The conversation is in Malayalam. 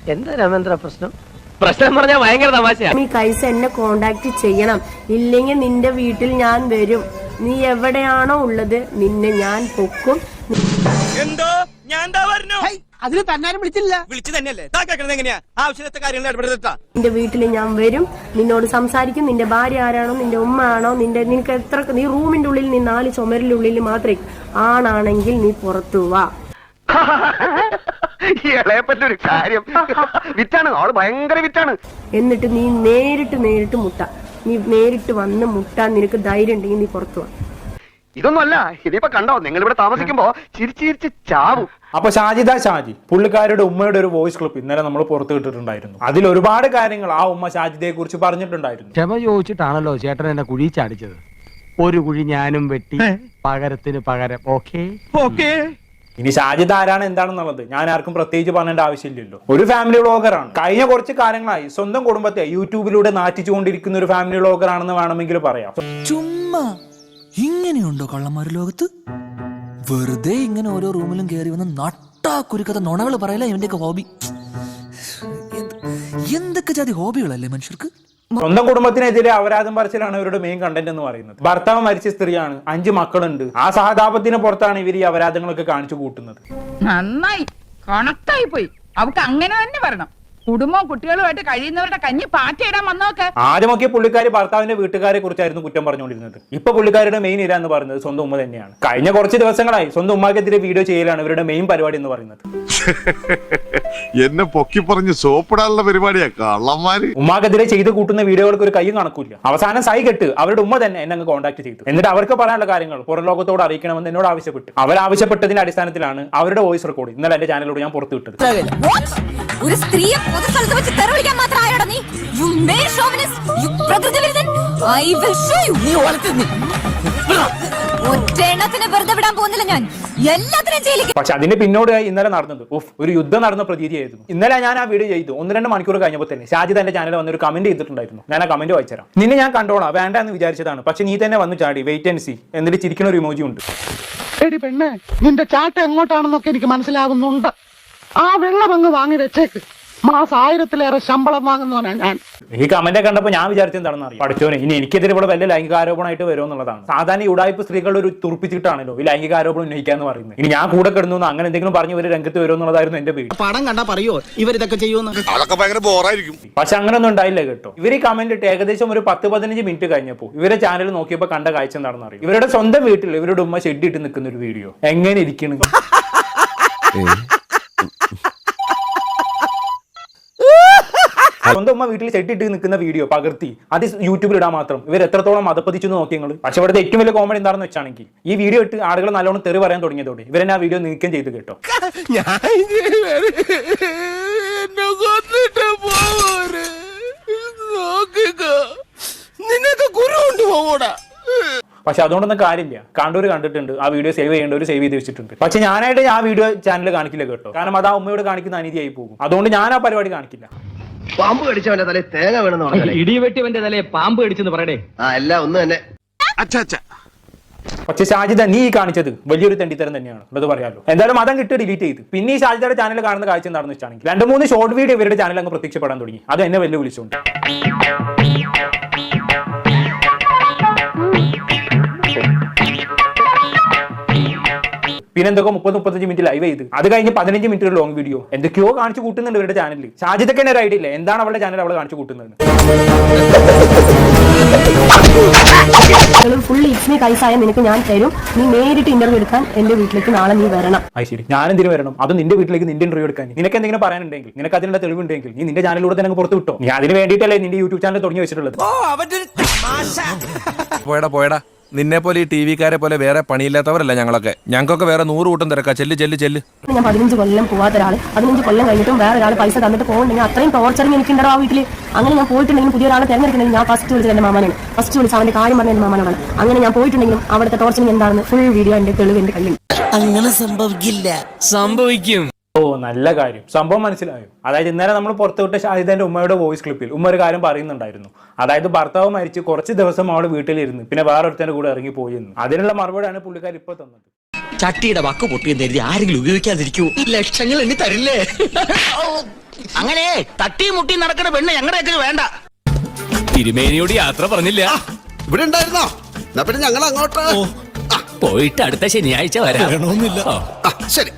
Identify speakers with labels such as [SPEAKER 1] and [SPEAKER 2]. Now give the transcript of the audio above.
[SPEAKER 1] എന്താ രാമേന്ദ്ര പ്രശ്നം? പ്രശ്നം പറഞ്ഞാൽ ഭയങ്കര തമാശയാ.
[SPEAKER 2] നീ കൈസ എന്നെ കോണ്ടാക്ട് ചെയ്യണം, ഇല്ലെങ്കിൽ നിന്റെ വീട്ടിൽ ഞാൻ വരും. നീ എവിടെയാണോ ഉള്ളത് നിന്നെ ഞാൻ പൊക്കും.
[SPEAKER 3] എന്തോ ഞാൻ
[SPEAKER 1] അതിന് തന്നാരും വിളിച്ചില്ല.
[SPEAKER 3] വിളിച്ചു തന്നെയല്ലേ എങ്ങനെയാ ആവശ്യത്തെ കാര്യങ്ങൾ ഇടപെടുത്താ.
[SPEAKER 2] നിന്റെ വീട്ടിൽ ഞാൻ വരും, നിന്നോട് സംസാരിക്കും. നിന്റെ ഭാര്യ ആരാണോ, നിന്റെ ഉമ്മ ആണോ, നിനക്ക് എത്ര, നീ റൂമിന്റെ ഉള്ളിൽ, നീ 4 ചുമരിന്റെ ഉള്ളിൽ മാത്രമേ ആണാണെങ്കിൽ നീ പുറത്തു വാ.
[SPEAKER 1] ഇളയപ്പറ്റൊരു കാര്യം വിറ്റാണ്, ആള് ഭയങ്കര വിറ്റാണ്.
[SPEAKER 2] എന്നിട്ട് നീ നേരിട്ട് മുട്ട, നീ നേരിട്ട് വന്ന് മുട്ടാൻ നിനക്ക് ധൈര്യം ഉണ്ടെങ്കിൽ നീ പുറത്തു വാ.
[SPEAKER 1] ഇതൊന്നുമല്ല, ഇതിപ്പോ കണ്ടോ നിങ്ങൾ ഇവിടെ താമസിക്കുമ്പോ ചിരിച്ചിരിച്ച് ചാവും.
[SPEAKER 4] അപ്പൊ ഷാജി പുള്ളിക്കാരുടെ ഉമ്മയുടെ ഒരു വോയിസ് ക്ലിപ്പ് ഇന്നലെ നമ്മൾ പുറത്തു വിട്ടിട്ടുണ്ടായിരുന്നു. അതിൽ ഒരുപാട് കാര്യങ്ങൾ ആ ഉമ്മ ഷാജിദയെ കുറിച്ച് പറഞ്ഞിട്ടുണ്ടായിരുന്നു.
[SPEAKER 5] ക്ഷമ ചോദിച്ചിട്ടാണല്ലോ ചേട്ടൻ എന്നെ കുഴി ചാടിച്ചത്. ഒരു കുഴി ഞാനും വെട്ടി, പകരത്തിന് പകരം. ഓക്കേ.
[SPEAKER 4] ഇനി ഷാജിദ ആരാണ് എന്താണെന്നുള്ളത് ഞാൻ ആർക്കും പ്രത്യേകിച്ച് പറഞ്ഞേണ്ട ആവശ്യമില്ലല്ലോ. ഒരു ഫാമിലി വ്ളോഗറാണ്. കഴിഞ്ഞ കുറച്ച് കാലങ്ങളായി സ്വന്തം കുടുംബത്തെ യൂട്യൂബിലൂടെ നാറ്റിച്ചുകൊണ്ടിരിക്കുന്ന ഒരു ഫാമിലി വ്ളോഗറാണെന്ന് വേണമെങ്കിൽ പറയാം.
[SPEAKER 6] ചുമ്മാ ഇങ്ങനെയുണ്ടോ കള്ളന്മാര് ലോകത്ത്? വെറുതെ ഇങ്ങനെ ഓരോ റൂമിലും കയറി വന്ന് നട്ടാ കുരുക്കഥ നുണകൾ പറയല ഇവന്റെയൊക്കെ ഹോബി. എന്തൊക്കെ ജാതി ഹോബികളല്ലേ മനുഷ്യർക്ക്.
[SPEAKER 4] സ്വന്തം കുടുംബത്തിനെതിരെ അപരാധം പറച്ചിലാണ് ഇവരുടെ മെയിൻ കണ്ടന്റ് എന്ന് പറയുന്നത്. ഭർത്താവ് മരിച്ച സ്ത്രീയാണ്, 5 മക്കളുണ്ട്. ആ സഹതാപത്തിന് പുറത്താണ് ഇവർ ഈ അപരാധങ്ങളൊക്കെ കാണിച്ചു കൂട്ടുന്നത്.
[SPEAKER 7] നന്നായി കണക്റ്റായി പോയി. അവർക്ക് അങ്ങനെ തന്നെ വരണം. കുടുംബവും കുട്ടികളുമായിട്ട് കഴിയുന്നവരുടെ കഞ്ഞി പാറ്റയിടാൻ വന്നോക്കെ.
[SPEAKER 4] ആദ്യമൊക്കെ പുള്ളിക്കാരി ഭർത്താവിന്റെ വീട്ടുകാരെ കുറിച്ചായിരുന്നു കുറ്റം പറഞ്ഞുകൊണ്ടിരുന്നത്. ഇപ്പൊ പുള്ളിക്കാരുടെ മെയിൻ ഇര എന്ന് പറയുന്നത് സ്വന്തം ഉമ്മ തന്നെയാണ്. കഴിഞ്ഞ കുറച്ച് ദിവസങ്ങളായി സ്വന്തം ഉമ്മാക്കെതിരെ വീഡിയോ ചെയ്യലാണ് ഇവരുടെ മെയിൻ പരിപാടി എന്ന് പറയുന്നത്.
[SPEAKER 8] എന്നെ പൊക്കി പറഞ്ഞ് സോപ്പിടാനുള്ള പരിപാടിയാ കള്ളന്മാര്.
[SPEAKER 4] ഉമ്മാക്കെതിരെ ചെയ്ത് കൂട്ടുന്ന വീഡിയോകൾക്ക് ഒരു കൈയും കണക്കില്ല. അവസാനം സൈ കെട്ട് അവരുടെ ഉമ്മ തന്നെ എന്നെ അങ്ങ് കോൺടാക്ട് ചെയ്തു. എന്നിട്ട് അവർക്ക് പറയാനുള്ള കാര്യങ്ങൾ പുറം ലോകത്തോട് അറിയിക്കണമെന്ന് എന്നോട് ആവശ്യപ്പെട്ടു. അവരാവശ്യപ്പെട്ടതിന്റെ അടിസ്ഥാനത്തിലാണ് അവരുടെ വോയിസ് റെക്കോർഡ് ഇന്നലെ എന്റെ ചാനലിലൂടെ ഞാൻ പുറത്തു വിട്ടത്.
[SPEAKER 9] ഒരു സ്ത്രീയെ പൊതുസ്ഥലത്ത് വെച്ച് തെറിവിളിക്കാൻ മാത്രമായോടാ നീ? You male chauvinist, you പ്രകൃതിവിരുദ്ധൻ. I will show you. നീ വളർത്തുന്നു. ഒറ്റെണ്ണത്തിനെ വെറുതെ വിടാൻ പോകുന്നില്ല ഞാൻ. എല്ലാത്തിനും ജയിലിൽ.
[SPEAKER 4] പക്ഷെ അതിന്റെ പിന്നോടായി ഇന്നലെ നടന്നത് ഒരു യുദ്ധം നടന്ന പ്രതീതിയായിരുന്നു. ഇന്നലെ ഞാൻ ആ വീഡിയോ ചെയ്തു. 1-2 മണിക്കൂർ കഴിഞ്ഞപ്പോൾ തന്നെ ഷാജിദ് എന്റെ ചാനലിൽ വന്നൊരു കമന്റ് ചെയ്തിട്ടുണ്ടായിരുന്നു. ഞാൻ ആ കമന്റ് വായിച്ചുതരാം. നിന്നെ ഞാൻ കണ്ടോളാം, വേണ്ട എന്ന് വിചാരിച്ചതാണ്, പക്ഷെ നീ തന്നെ വന്നു ചാടി. വെയിറ്റ് ആൻഡ് സീ എന്നിട്ട് ചിരിക്കുന്ന ഒരു ഇമോജി ഉണ്ട്.
[SPEAKER 10] എടി പെണ്ണെ, നിന്റെ ചാട്ട എങ്ങോട്ടാണെന്നൊക്കെ എനിക്ക് മനസ്സിലാകുന്നുണ്ട്. ആ വെള്ളം അങ്ങ് വാങ്ങി വെച്ചേക്ക്. മാസം 1000-ലേറെ ശമ്പളം വാങ്ങുന്നവനാ ഞാൻ.
[SPEAKER 4] ഈ കമന്റ് കണ്ടപ്പോൾ ഞാൻ വിചാരിച്ചത് എന്താണെന്ന് അറിയാം. പഠിച്ചോനെ, ഇനി എനിക്കെതിരെ ഇവിടെ വലിയ ലൈംഗികാരോപണമായിട്ട് വരുമെന്നുള്ളതാണ്. സാധാരണ ഉടായ്പ സ്ത്രീകളുടെ ഒരു തുറപ്പിച്ചിട്ടാണല്ലോ ഈ ലൈംഗികാരോപണം ഉന്നയിക്കാന്ന് പറയുന്നത്. ഇനി ഞാൻ കൂടെ കിടന്നു അങ്ങനെ എന്തെങ്കിലും പറഞ്ഞ് ഇവര് രംഗത്ത് വരുമെന്നുള്ളതായിരുന്നു എന്റെ പേര്.
[SPEAKER 3] പടം കണ്ടാ പറയോ ഇവരിതൊക്കെ ചെയ്യുമെന്ന്?
[SPEAKER 8] അതൊക്കെ ഭയങ്കര ബോറായിരിക്കും.
[SPEAKER 4] പക്ഷെ അങ്ങനൊന്നും ഉണ്ടായില്ല കേട്ടോ. ഇവർ ഈ കമന്റ് ഇട്ട് ഏകദേശം ഒരു 10-15 മിനിറ്റ് കഴിഞ്ഞപ്പോൾ ഇവരെ ചാനൽ നോക്കിയപ്പോൾ കണ്ട കാഴ്ച എന്താണെന്ന് അറിയാം. ഇവരുടെ സ്വന്തം വീട്ടിൽ ഇവരുടെ ഉമ്മ ഷെഡ് ഇട്ട് നിൽക്കുന്ന ഒരു വീഡിയോ. എങ്ങനെ ഇരിക്കണം. സ്വന്തം ഉമ്മ വീട്ടിൽ ഷെഡ് നിൽക്കുന്ന വീഡിയോ പകർത്തി അത് യൂട്യൂബിൽ ഇടാൻ മാത്രം ഇവർ എത്രത്തോളം മതപ്പതിച്ചു നോക്കി നിങ്ങൾ. പക്ഷെ ഇവിടുത്തെ ഏറ്റവും വലിയ കോമഡി എന്താണെന്ന് വെച്ചാണെങ്കിൽ ഈ വീഡിയോ ഇട്ട് ആളുകൾ നല്ലോണം തെറി പറയാൻ തുടങ്ങിയതോടെ ഇവരെന്നെ ആ വീഡിയോ നീക്കം ചെയ്ത് കേട്ടോ. പക്ഷെ അതുകൊണ്ടൊന്നും കാര്യമില്ല. കണ്ടൂര് കണ്ടിട്ടുണ്ട്, ആ വീഡിയോ സേവ് ചെയ്യേണ്ടവർ സേവ് ചെയ്ത് വെച്ചിട്ടുണ്ട്. പക്ഷെ ഞാനായിട്ട് ആ വീഡിയോ ചാനൽ കാണിക്കില്ല കേട്ടോ. കാരണം അത് ആ ഉമ്മയോട് കാണിക്കുന്ന അനീതിയായി പോകും. അതുകൊണ്ട് ഞാൻ ആ പരിപാടി കാണിക്കില്ല.
[SPEAKER 1] പാമ്പ് കടിച്ചവന്റെ തലേ തേങ്ങ വേണമെന്ന് പറഞ്ഞാലേ
[SPEAKER 5] ഇടിവെട്ടിവന്റെ തലയെ പാമ്പ് കടിച്ചെന്ന് പറയടേ.
[SPEAKER 1] എല്ലാം ഒന്ന് തന്നെ.
[SPEAKER 4] പക്ഷെ ഷാജിദ നീ കാണിച്ചത് വലിയൊരു തെണ്ടിത്തരം തന്നെയാണ്, അത് പറയാമല്ലോ. എന്തായാലും മതം കിട്ടി ഡിലീറ്റ് ചെയ്ത്. പിന്നെ ഈ ഷാജിദയുടെ ചാനൽ കാണുന്ന കാഴ്ച എന്താണെന്ന് വെച്ചാണെങ്കിൽ 2-3 ഷോർട്ട് വീഡിയോ ഇവരുടെ ചാനൽ അങ്ങ് പ്രത്യക്ഷപ്പെടാൻ തുടങ്ങി. അത് എന്നെ വെല്ലുവിളിച്ചുകൊണ്ട്. പിന്നെ എന്തൊക്കെ 30-35 മിനിറ്റ് ലൈവ് ചെയ്ത് അത് കഴിഞ്ഞ് 15 മിനിറ്റ് ലോങ് വീഡിയോ എന്തൊക്കെയോ കാണിച്ചു കൂട്ടുന്നുണ്ട് ഇവരുടെ ചാനലിൽ. ഷാജിദക്ക് തന്നെ ഒരു ഐഡിയ ഇല്ല എന്താണ് അവളുടെ ചാനൽ അവളെ കാണിച്ചു കൂട്ടുന്നത്.
[SPEAKER 2] ഫുൾ ഇസ്മി കൈസായ നിനക്ക് ഞാൻ തരും. നീ നേരിട്ട് ഇന്റർവ്യൂ എടുക്കാൻ എന്റെ വീട്ടിലേക്ക് നാളെ നീ വരണം.
[SPEAKER 4] ശരി, ഞാൻ എന്തിനു വരണം? അത് നിന്റെ വീട്ടിലേക്ക് നിന്റെ ഇന്റർവ്യൂ എടുക്കാൻ. നിനക്ക് എന്തെങ്കിലും പറയാനുണ്ടെങ്കിൽ, നിനക്ക് അതിനുള്ള തെളിവുണ്ടെങ്കിൽ നീ നിന്റെ ചാനലിലൂടെ തന്നെ പുറത്തു വിട്ടോ. നീ അതിന് വേണ്ടിയിട്ടല്ലേ നിന്റെ യൂട്യൂബ് ചാനൽ തുടങ്ങി വെച്ചിട്ടുള്ളത്.
[SPEAKER 11] പോയടാ നിന്നെ പോലെ ഈ ടി വിക്കാരെ പോലെ വേറെ പണിയില്ലാത്തവരല്ല ഞങ്ങളൊക്കെ. ഞങ്ങൾക്കൊക്കെ വേറെ 100 കൂട്ടം തിരക്കാ. ചെല്ല്.
[SPEAKER 2] ഞാൻ 15 കൊല്ലം പോവാത്ത ഒരാൾ 15 കൊല്ലം കഴിഞ്ഞിട്ടും വേറെ ഒരാൾ പൈസ തന്നിട്ട് പോകുന്നുണ്ടെങ്കിൽ അത്രയും ടോർച്ചറിങ് എനിക്കുണ്ടോ ആ വീട്ടിൽ. അങ്ങനെ ഞാൻ പോയിട്ടുണ്ടെങ്കിലും പുതിയ ഒരാളെ തിരഞ്ഞെടുക്കണമെങ്കിൽ ഞാൻ ഫസ്റ്റ് വിളിച്ചത് എന്റെ മാമനാണ്. ഫസ്റ്റ് വിളിച്ച് അവന്റെ കാര്യം പറഞ്ഞ എന്റെ മാമനാണ്. അങ്ങനെ ഞാൻ പോയിട്ടുണ്ടെങ്കിലും അവിടുത്തെ ടോർച്ചറിങ് എന്താണെന്ന് ഫുൾ വീഡിയോ എന്റെ തെളിവ് എന്റെ കയ്യിൽ.
[SPEAKER 6] അങ്ങനെ സംഭവിക്കില്ല. സംഭവിക്കും.
[SPEAKER 4] ഓ, നല്ല കാര്യം. സംഭവം മനസ്സിലായോ? അതായത് ഇന്നലെ നമ്മൾ പുറത്തുവിട്ട ഷാഹിദന്റെ ഉമ്മയുടെ വോയിസ് ക്ലിപ്പിൽ ഉമ്മ ഒരു കാര്യം പറയുന്നുണ്ടായിരുന്നു. അതായത് ഭർത്താവ് മരിച്ച് കുറച്ച് ദിവസം അവള് വീട്ടിലിരുന്ന് പിന്നെ വേറൊരുത്തന്റെ കൂടെ ഇറങ്ങി പോയി എന്ന്. അതിനുള്ള മറുപടിയാണ് പുള്ളിക്കാർ ഇപ്പൊ തന്നത്.
[SPEAKER 3] ചട്ടിയുടെ വക്ക് പൊട്ടിയെന്ന് കരുതി ആരെങ്കിലും ഉപയോഗിക്കാതിരിക്കൂ ലക്ഷങ്ങൾ എണ്ണി തരില്ലേ അങ്ങനെ തട്ടിയും മുട്ടിയും നടക്കുന്ന പെണ്ണ് ഞങ്ങളുടെ വേണ്ട.
[SPEAKER 6] തിരുമേനിയോട് യാത്ര പറഞ്ഞില്ല.
[SPEAKER 1] ഇവിടെ ഉണ്ടായിരുന്നോ? എന്നാ പിന്നെ ഞങ്ങൾ അങ്ങോട്ട്
[SPEAKER 6] പോയിട്ട് അടുത്ത ശനിയാഴ്ച വരാം.
[SPEAKER 1] ശരി.